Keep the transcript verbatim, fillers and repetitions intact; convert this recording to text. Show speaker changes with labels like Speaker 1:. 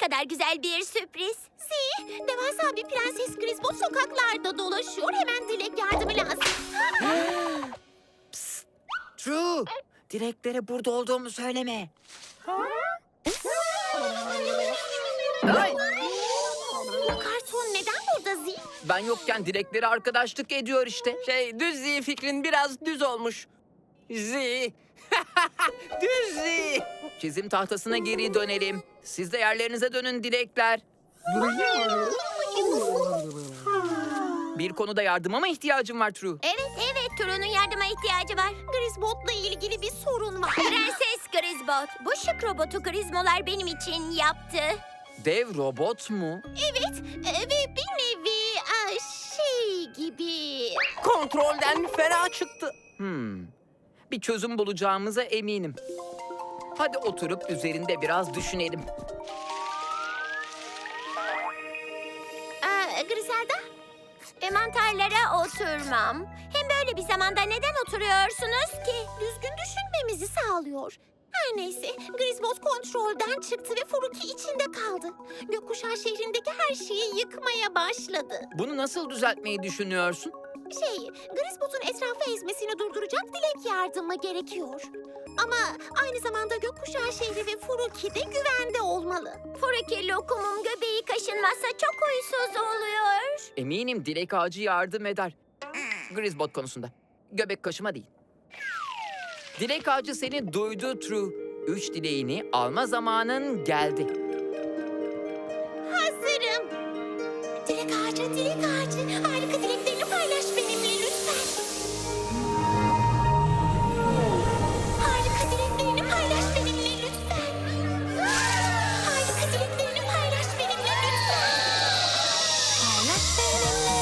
Speaker 1: kadar güzel bir sürpriz.
Speaker 2: Zee, devasa bir prenses Griswold sokaklarda dolaşıyor. Hemen Dilek yardımı lazım.
Speaker 3: True. Dileklere burada olduğumu söyleme. Ay,
Speaker 2: Bu karton neden burada Zee?
Speaker 3: ben yokken dilekleri arkadaşlık ediyor işte.
Speaker 4: Şey, düz zi fikrin biraz düz olmuş. Zi. Düz zi.
Speaker 3: Çizim tahtasına geri dönelim. Siz de yerlerinize dönün dilekler. Bir konuda yardıma mı ihtiyacım var True?
Speaker 1: Evet evet True'nun yardıma ihtiyacı var.
Speaker 2: Griswold'la ilgili bir sorun var.
Speaker 1: Prenses Griswold, bu şık robotu Grizmolar benim için yaptı.
Speaker 3: Dev robot mu?
Speaker 2: Evet e, ve bir nevi e, şey gibi.
Speaker 4: Kontrolden fena çıktı.
Speaker 3: Hmm. Bir çözüm bulacağımıza eminim. Hadi oturup üzerinde biraz düşünelim.
Speaker 2: E, Griselda?
Speaker 1: E, mantarlara oturmam. Hem böyle bir zamanda neden oturuyorsunuz ki?
Speaker 2: Düzgün düşünmemizi sağlıyor. Her neyse, Griswold kontrolden çıktı ve Furuki içinde kaldı. Gökkuşağı şehrindeki her şeyi yıkmaya başladı.
Speaker 3: Bunu nasıl düzeltmeyi düşünüyorsun?
Speaker 2: Şey, Griswold'un etrafı ezmesini durduracak dilek yardımı gerekiyor. Ama aynı zamanda gökkuşağı şehri ve Furuki de güvende olmalı.
Speaker 1: Furuki lokumum göbeği kaşınmazsa çok huysuz oluyor.
Speaker 3: Eminim dilek ağacı yardım eder. Grisbot konusunda. Göbek kaşıma değil. Dilek ağacı seni duydu True. Üç dileğini alma zamanın geldi.
Speaker 2: Hazırım. Dilek ağacı, dilek ağacı. Harika dileklerini paylaş benimle lütfen. Harika dileklerini paylaş benimle lütfen. Harika dileklerini paylaş benimle lütfen. Paylaş benimle